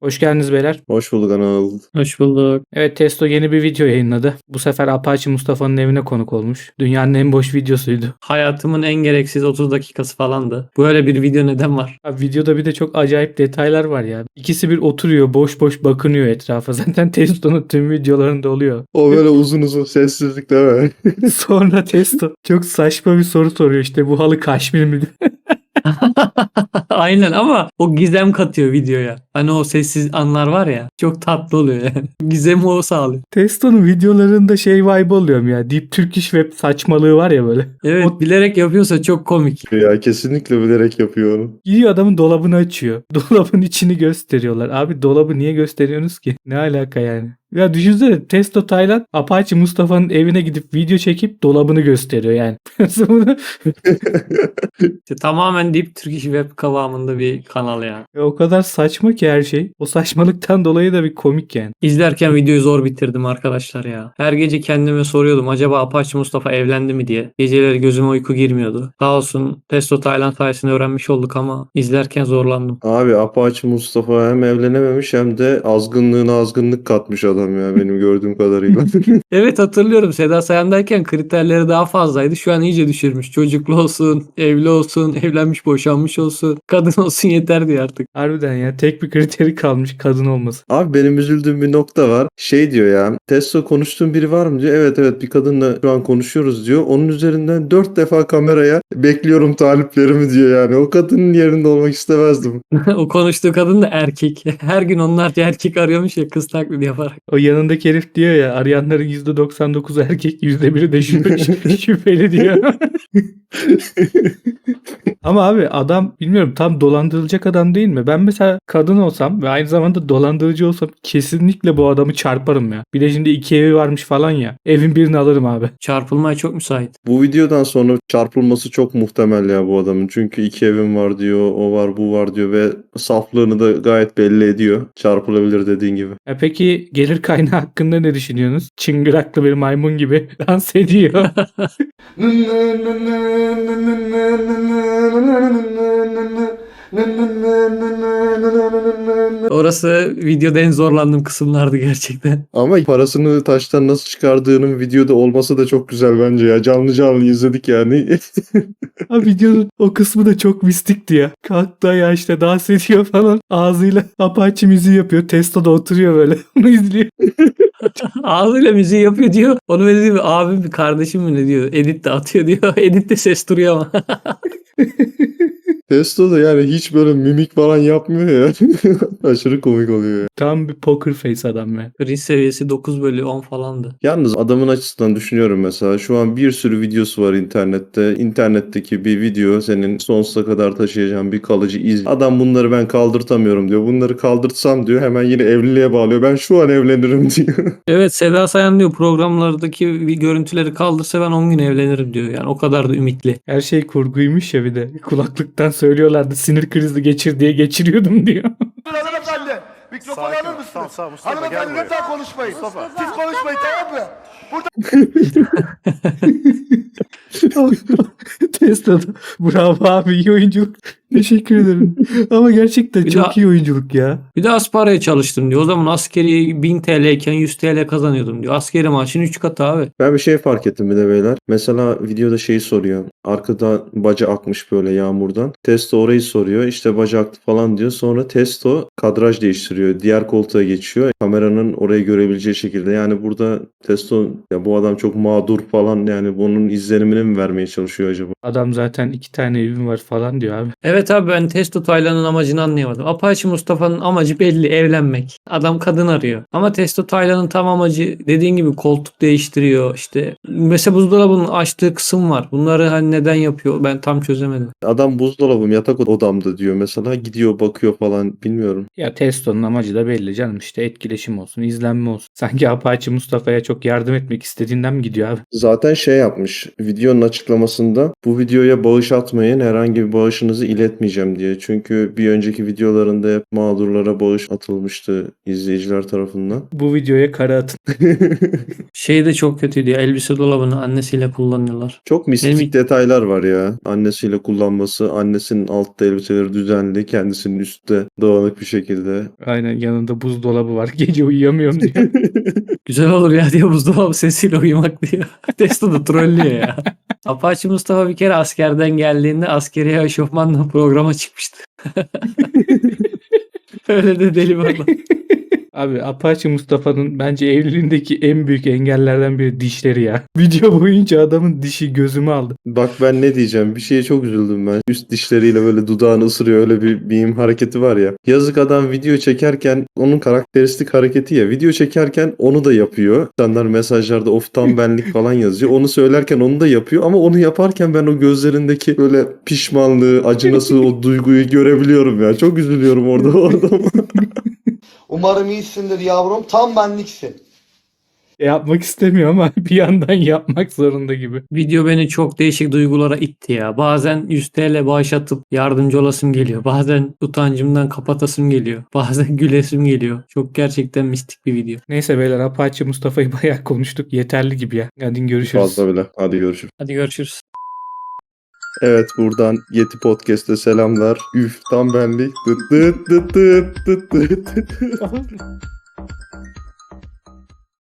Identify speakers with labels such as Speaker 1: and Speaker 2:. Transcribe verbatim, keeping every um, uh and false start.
Speaker 1: Hoş geldiniz beyler.
Speaker 2: Hoş bulduk Anıl.
Speaker 3: Hoş bulduk.
Speaker 1: Evet, Testo yeni bir video yayınladı. Bu sefer Apache Mustafa'nın evine konuk olmuş. Dünyanın en boş videosuydu.
Speaker 3: Hayatımın en gereksiz otuz dakikası falandı. Böyle bir video neden var?
Speaker 1: Abi, videoda bir de çok acayip detaylar var ya. İkisi bir oturuyor, boş boş bakınıyor etrafa. Zaten Testo'nun tüm videolarında oluyor.
Speaker 2: O böyle uzun uzun sessizlik değil mi?
Speaker 1: Sonra Testo çok saçma bir soru soruyor, işte bu halı kaşmir mi?
Speaker 3: Aynen ama o gizem katıyor videoya. Hani o sessiz anlar var ya, çok tatlı oluyor yani. Gizemi o sağlıyor.
Speaker 1: Testo'nun videolarında şey vibe oluyorum ya. Deep Turkish Web saçmalığı var ya böyle.
Speaker 3: Evet,
Speaker 1: O-
Speaker 3: bilerek yapıyorsa çok komik.
Speaker 2: Ya kesinlikle bilerek yapıyor onu.
Speaker 1: Gidiyor adamın dolabını açıyor. Dolabın içini gösteriyorlar. Abi dolabı niye gösteriyorsunuz ki? Ne alaka yani? Ya düşünsene, Testo Taylan Apache Mustafa'nın evine gidip video çekip dolabını gösteriyor yani. Nasıl bunu?
Speaker 3: İşte tamamen Deep Turkish Web kıvamında bir kanal ya.
Speaker 1: Ya o kadar saçma ki her şey. O saçmalıktan dolayı da bir komik yani.
Speaker 3: İzlerken videoyu zor bitirdim arkadaşlar ya. Her gece kendime soruyordum acaba Apache Mustafa evlendi mi diye. Geceleri gözüme uyku girmiyordu. Sağ olsun Testo Taylan sayesinde öğrenmiş olduk ama izlerken zorlandım.
Speaker 2: Abi Apache Mustafa hem evlenememiş hem de azgınlığına azgınlık katmış adam ya benim gördüğüm kadarıyla.
Speaker 3: Evet, hatırlıyorum. Seda Sayan'dayken kriterleri daha fazlaydı. Şu an iyice düşürmüş. Çocuklu olsun, evli olsun, evlenmiş boşanmış olsun, kadın olsun yeter diyor artık.
Speaker 1: Harbiden ya, tek bir kriteri kalmış, kadın olması.
Speaker 2: Abi benim üzüldüğüm bir nokta var. Şey diyor ya, Testo konuştuğun biri var mı diyor. Evet evet bir kadınla şu an konuşuyoruz diyor. Onun üzerinden dört defa kameraya bekliyorum taliplerimi diyor yani. O kadının yerinde olmak istemezdim.
Speaker 3: O konuştuğu kadın da erkek. Her gün onlarca erkek arıyormuş ya, kız taklidi yaparak.
Speaker 1: O yanındaki herif diyor ya, arayanların yüzde doksan dokuzu erkek, yüzde biri de şüphe, şüpheli diyor. Ama abi adam bilmiyorum, tam dolandırılacak adam değil mi? Ben mesela kadın olsam ve aynı zamanda dolandırıcı olsam kesinlikle bu adamı çarparım ya. Bir de şimdi iki evi varmış falan ya. Evin birini alırım abi.
Speaker 3: Çarpılmaya çok müsait.
Speaker 2: Bu videodan sonra çarpılması çok muhtemel ya bu adamın. Çünkü iki evim var diyor, o var bu var diyor ve saflığını da gayet belli ediyor. Çarpılabilir dediğin gibi.
Speaker 1: E peki gelir kaynağı hakkında ne düşünüyorsunuz? Çıngıraklı bir maymun gibi dans ediyor.
Speaker 3: Orası videoda en zorlandığım kısımlardı gerçekten.
Speaker 2: Ama parasını taştan nasıl çıkardığının videoda olması da çok güzel bence ya. Canlı canlı izledik yani.
Speaker 1: Abi videonun o kısmı da çok mistikti ya. Kalktı ya, işte dans ediyor falan. Ağzıyla Apache müziği yapıyor. Testo da oturuyor böyle. Onu izliyor.
Speaker 3: Ağzıyla müziği yapıyor diyor. Onu öyle diyor. Abim mi kardeşim mi ne diyor. Edit de atıyor diyor. Edit de ses duruyor ama.
Speaker 2: Testo da yani hiç böyle mimik falan yapmıyor ya. Aşırı komik oluyor ya.
Speaker 1: Tam bir poker face adam ya.
Speaker 3: Cringe seviyesi dokuz bölü on falandı.
Speaker 2: Yalnız adamın açısından düşünüyorum mesela. Şu an bir sürü videosu var internette. İnternetteki bir video senin sonsuza kadar taşıyacağın bir kalıcı iz. Adam bunları ben kaldırtamıyorum diyor. Bunları kaldırtsam diyor hemen yine evliliğe bağlıyor. Ben şu an evlenirim diyor.
Speaker 3: Evet, Seda Sayan diyor programlardaki bir görüntüleri kaldırsa ben on gün evlenirim diyor. Yani o kadar da ümitli.
Speaker 1: Her şey kurguymuş ya bir de. Kulaklıktan söylüyorlardı, sinir krizi geçir diye geçiriyordum diyor.
Speaker 4: Hanımefendi, mikrofonu
Speaker 5: Sakin ol,
Speaker 4: alır mısınız?
Speaker 5: tamam, tamam, Mustafa, gel
Speaker 4: Hanımefendi
Speaker 5: buraya.
Speaker 4: lütfen konuşmayın.
Speaker 5: Mustafa.
Speaker 4: Siz konuşmayın, tamam mı?
Speaker 1: Testo'da. Bravo abi, iyi oyunculuk. Teşekkür ederim. Ama gerçekten
Speaker 3: Bir
Speaker 1: çok
Speaker 3: daha-
Speaker 1: iyi oyunculuk ya.
Speaker 3: Bir de asparaya çalıştım diyor. O zaman askeri bin T L iken yüz T L kazanıyordum diyor. Askeri maaşın üç katı abi.
Speaker 2: Ben bir şey fark ettim bir de beyler. Mesela videoda şeyi soruyor. Arkada baca akmış böyle yağmurdan. Testo orayı soruyor. İşte baca aktı falan diyor. Sonra Testo kadraj değiştiriyor. Diğer koltuğa geçiyor. Kameranın orayı görebileceği şekilde. Yani burada Testo ya bu adam çok mağdur falan yani bunun izlenimini mi vermeye çalışıyor acaba?
Speaker 1: Adam zaten iki tane evim var falan diyor abi.
Speaker 3: Evet abi, ben Testo Taylan'ın amacını anlayamadım. Apache Mustafa'nın amacı belli, evlenmek. Adam kadın arıyor. Ama Testo Taylan'ın tam amacı dediğin gibi koltuk değiştiriyor. İşte mesela buzdolabının açtığı kısım var. Bunları hani neden yapıyor ben tam çözemedim.
Speaker 2: Adam buzdolabım yatak odamda diyor mesela. Gidiyor bakıyor falan bilmiyorum.
Speaker 1: Ya Testo'nun amacı da belli canım, işte etkileşim olsun, izlenme olsun. Sanki Apache Mustafa'ya çok yardım etmek istediğinden mi gidiyor abi?
Speaker 2: Zaten şey yapmış. Videonun açıklamasında bu videoya bağış atmayın. Herhangi bir bağışınızı iletmeyeceğim diye. Çünkü bir önceki videolarında hep mağdurlara bağış atılmıştı izleyiciler tarafından.
Speaker 1: Bu videoya kara atın.
Speaker 3: Şey de çok kötüydü ya, elbise dolabını annesiyle kullanıyorlar.
Speaker 2: Çok mistik
Speaker 3: Benim-
Speaker 2: detaylar var ya. Annesiyle kullanması, annesinin altta elbiseleri düzenli, kendisinin üstte dağınık bir şekilde.
Speaker 1: Aynen, yanında buzdolabı var. Gece uyuyamıyorum diyor.
Speaker 3: Güzel olur ya diye buzdolabı sesiyle uyumak diyor. Testo da trollüyor ya. Apache Mustafa bir kere askerden geldiğinde askeri eşofmanla programa çıkmıştı. Öyle de deli bir adam.
Speaker 1: Abi Apache Mustafa'nın bence evliliğindeki en büyük engellerden biri dişleri ya. Video boyunca adamın dişi gözümü aldı.
Speaker 2: Bak ben ne diyeceğim. Bir şeye çok üzüldüm ben. Üst dişleriyle böyle dudağını ısırıyor. Öyle bir meme hareketi var ya. Yazık adam video çekerken onun karakteristik hareketi ya. Video çekerken onu da yapıyor. İnsanlar mesajlarda of tam benlik falan yazıyor. Onu söylerken onu da yapıyor. Ama onu yaparken ben o gözlerindeki böyle pişmanlığı, acınası o duyguyu görebiliyorum ya. Çok üzülüyorum orada orada.
Speaker 4: Umarım iyisindir yavrum. Tam benliksin.
Speaker 1: E, yapmak istemiyor ama bir yandan yapmak zorunda gibi.
Speaker 3: Video beni çok değişik duygulara itti ya. Bazen yüz TL bağış atıp yardımcı olasım geliyor. Bazen utancımdan kapatasım geliyor. Bazen gülesim geliyor. Çok gerçekten mistik bir video.
Speaker 1: Neyse beyler, Apache Mustafa'yı bayağı konuştuk. Yeterli gibi ya. Hadi görüşürüz.
Speaker 2: Fazla bile. Hadi görüşürüz.
Speaker 3: Hadi görüşürüz.
Speaker 2: Evet, buradan Yeti Podcast'e selamlar. Üf tam benlik. Dıt dıt dıt dıt dıt dıt dıt.